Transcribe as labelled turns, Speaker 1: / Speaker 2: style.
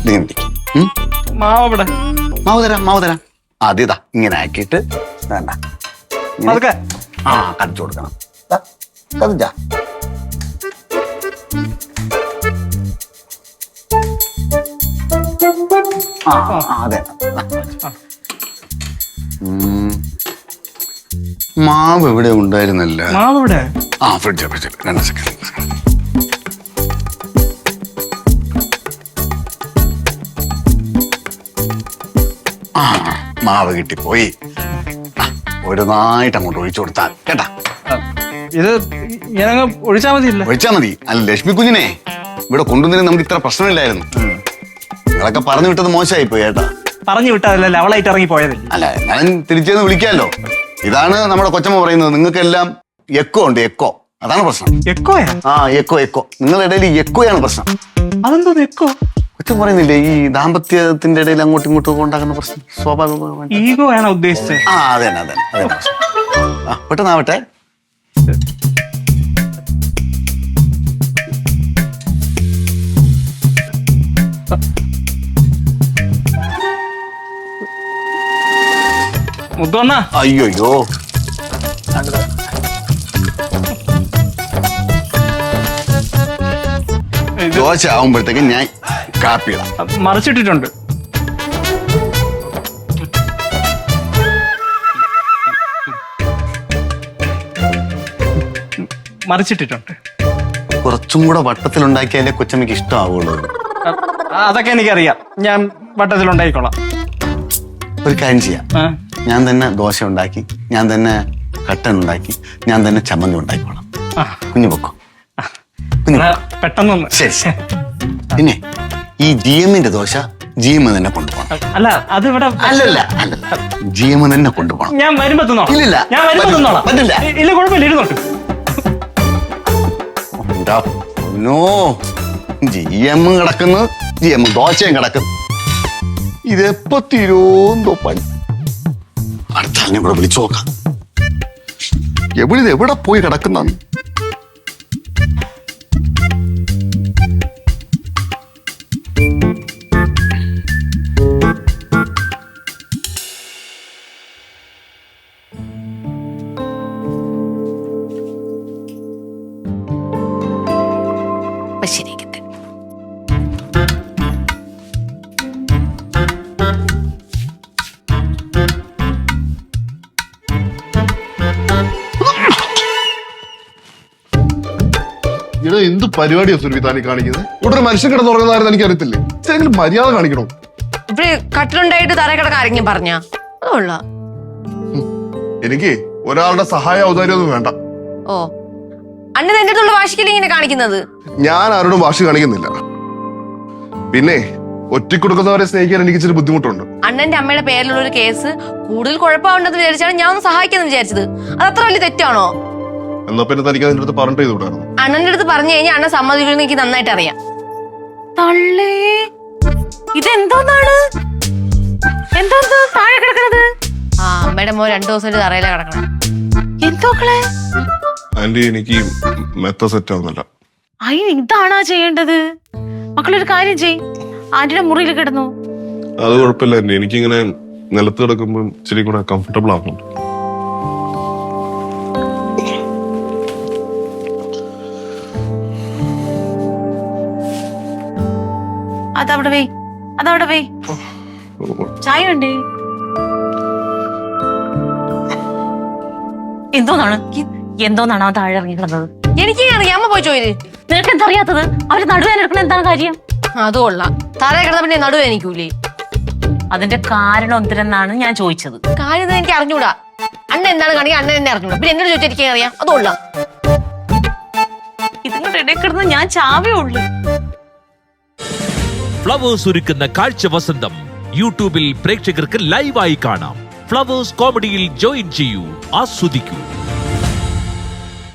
Speaker 1: മാവ് തരാം ആദ്യം ഇതാ ഇങ്ങനെ ആക്കിയിട്ട് വേണ്ട കടിച്ചു കൊടുക്കണം. കത്തിച്ചാ അതെ. മാവ് ഇവിടെ ഉണ്ടായിരുന്നല്ല. Fridge 2 second. മാവ് കിട്ടിപ്പോയി. ഒരു നായിട്ട് അങ്ങോട്ട് ഒഴിച്ചു കൊടുത്താൽ കേട്ടാ.
Speaker 2: ഇത് ഒഴിച്ചാ
Speaker 1: മതി. അല്ല ലക്ഷ്മി കുഞ്ഞിനെ ഇവിടെ കൊണ്ടുവന്നതിന് നമുക്ക് ഇത്ര പ്രശ്നമില്ലായിരുന്നു. നിങ്ങളൊക്കെ പറഞ്ഞു വിട്ടത് മോശമായി പോയി കേട്ടാ.
Speaker 2: പറഞ്ഞു വിട്ടതല്ല, അവളായിട്ട് ഇറങ്ങി പോയതല്ലേ.
Speaker 1: അല്ല ഞാൻ തിരിച്ചെന്ന് വിളിക്കാമല്ലോ. ഇതാണ് നമ്മുടെ കൊച്ചമ്മ പറയുന്നത്. നിങ്ങൾക്കെല്ലാം എക്കോ ഉണ്ട്, എക്കോ. അതാണ് പ്രശ്നം.
Speaker 2: എക്കോയാ?
Speaker 1: എക്കോ. നിങ്ങളുടെ ഇടയിൽ എക്കോയാണ് പ്രശ്നം.
Speaker 2: അതെന്തോ എക്കോ?
Speaker 1: കൊച്ചം പറയുന്നില്ലേ ഈ ദാമ്പത്യത്തിന്റെ ഇടയിൽ അങ്ങോട്ടും ഇങ്ങോട്ടും ഉണ്ടാകുന്ന പ്രശ്നം സ്വാഭാവികമാണ്.
Speaker 2: ഈഗോ ആണോ ഉദ്ദേശിച്ചത്?
Speaker 1: അതെ പെട്ടെന്നാവട്ടെ.
Speaker 2: മുത്തോണ്ണ.
Speaker 1: അയ്യോ ദോശ ആവുമ്പോഴത്തേക്കും ഞാൻ കാപ്പി
Speaker 2: മറിച്ചിട്ടിട്ടുണ്ട്.
Speaker 1: കുറച്ചും കൂടെ വട്ടത്തിലുണ്ടാക്കിയാലേ കൊച്ചമ്മയ്ക്ക് ഇഷ്ടമാവുള്ളൂ.
Speaker 2: അതൊക്കെ എനിക്കറിയാം, ഞാൻ വട്ടത്തിലുണ്ടായിക്കോളാം.
Speaker 1: ഒരു കാര്യം ചെയ്യാം. ഞാൻ തന്നെ ദോശ ഉണ്ടാക്കി, ഞാൻ തന്നെ കട്ടൻ ഉണ്ടാക്കി, ഞാൻ തന്നെ ചമ്മന്തി ഉണ്ടാക്കിക്കോളാം. കുഞ്ഞു പൊക്കോ.
Speaker 2: പെട്ടെന്ന്.
Speaker 1: ശരി. പിന്നെ ഈ GMന്റെ ദോശ GM തന്നെ കൊണ്ടുപോകണം.
Speaker 2: അല്ല അത് ഇവിടെ
Speaker 1: അല്ലല്ല GM തന്നെ കൊണ്ടുപോകണം.
Speaker 2: ഞാൻ വരുമ്പോ തിന്നോളാം. പറ്റില്ല. ഇല്ല കുഴപ്പമില്ല, ഇരുന്നോട്ട്.
Speaker 1: GM കിടക്കുന്നു, GM ദോശയും കിടക്കുന്നു. ഇതെപ്പോ തീരോന്തോ പണി. അടുത്ത ആളിനെ കൂടെ വിളിച്ചു നോക്കാം. എവിടെ പോയി കിടക്കുന്ന.
Speaker 3: ശരിയാക്കട്ടെ.
Speaker 4: ഇവിടെ എന്ത് പരിപാടിയാ സുരഭി താനീ കാണിക്കുന്നത്? ഇവിടെ ഒരു മനുഷ്യൻ കിടന്ന് ഉറങ്ങുന്നതായിരുന്നു എനിക്ക് അറിയത്തില്ലേ. ഇതെങ്കിലും മര്യാദ കാണിക്കണോ?
Speaker 3: ഇവിടെ കട്ടിലുണ്ടായിട്ട് തറ കിടക്കാൻ ആരെങ്കിലും പറഞ്ഞ അതുള്ള
Speaker 4: എനിക്ക് ഒരാളുടെ സഹായ ഔദാര്യമൊന്നും വേണ്ട.
Speaker 3: ഓ അണ്ണൻ എന്റെ അടുത്തുള്ള വാശിക്കല്ലേ ഇങ്ങനെ കാണിക്കുന്നത്?
Speaker 4: ഞാൻ ആരോടും വാശി കാണിക്കുന്നില്ല. പിന്നെ ഒറ്റക്കൊടുക്കുന്നവരെ സ്നേഹിക്കാൻ എനിക്ക് ഇച്ചിരി ബുദ്ധിമുട്ടുണ്ട്.
Speaker 3: അണ്ണന്റെ അമ്മയുടെ പേരിലുള്ള ഒരു കേസ് കൂടുതൽ കുഴപ്പമുണ്ടെന്ന് വിചാരിച്ചാണ് ഞാൻ ഒന്ന് സഹായിക്കാന്ന് വിചാരിച്ചത്. അത് അത്ര വലിയ തെറ്റാണോ?
Speaker 4: എന്നാ പിന്നെ തനിക്ക് അതിന്റെ അടുത്ത് പറഞ്ഞിട്ട് ചെയ്തുകൂടായിരുന്നു?
Speaker 3: അണ്ണന്റെ അടുത്ത് പറഞ്ഞു കഴിഞ്ഞാൽ അണ്ണൻ സമ്മതിക്കുമെന്ന് എനിക്ക് നന്നായിട്ട് അറിയാം. ഇതെന്തോന്നാണ് താഴെ കിടക്കണത്? അമ്മയുടെ മോൻ 2 ദിവസമായിട്ട് തറയിലാ കിടക്കണം. എന്തോക്കളെ
Speaker 4: ആന്റി എനിക്ക് മെത്ത സെറ്റ് ആവുന്നില്ല.
Speaker 5: ഇതാണാ ചെയ്യേണ്ടത്? മക്കളൊരു കാര്യം ചെയ്, ആന്റിയുടെ മുറിയിൽ കിടന്നു.
Speaker 4: അത് കുഴപ്പമില്ല ആന്റി, എനിക്കിങ്ങനെ നിലത്ത് കിടക്കുമ്പോൾ ഇച്ചിരി കൂടെ കംഫർട്ടബിൾ ആവുന്നുണ്ട്.
Speaker 5: അതവിടെ വേ. ചായ ഉണ്ടേ? എന്തോന്നാണ് ആ താഴെ ഇറങ്ങി കിടന്നത്?
Speaker 3: എനിക്ക് അറിയാമ പോയി ചോദിച്ചു.
Speaker 5: നിനക്ക് എന്താ അറിയാത്തത്? അവര് നടുവേന എടുക്കണ എന്താണ് കാര്യം?
Speaker 3: അതുകൊള്ളാം. തറയെ കിടന്ന പിന്നെ നടുവേനിക്കൂലേ?
Speaker 5: അതിന്റെ കാരണം എന്തിനാണ് ഞാൻ ചോദിച്ചത്.
Speaker 3: കാര്യം എനിക്ക് അറിഞ്ഞൂടാ. അണ്ണ എന്താണ് കാണിക്കുക അണ്ണൻ എന്നെ അറിഞ്ഞൂടാ. പിന്നെ എന്നോട് ചോദിച്ചാൽ അറിയാം. അതുകൊള്ളാം.
Speaker 5: ഇതിങ്ങളുടെ ഇടയിൽ കിടന്ന് ഞാൻ ചാവേ ഉള്ളു.
Speaker 6: ഫ്ലവേഴ്സ് ഒരുക്കുന്ന കാഴ്ച വസന്തം യൂട്യൂബിൽ പ്രേക്ഷകർക്ക് ലൈവായി കാണാം. ഫ്ലവേഴ്സ് കോമഡിയിൽ ജോയിൻ ചെയ്യൂ, ആസ്വദിക്കൂ.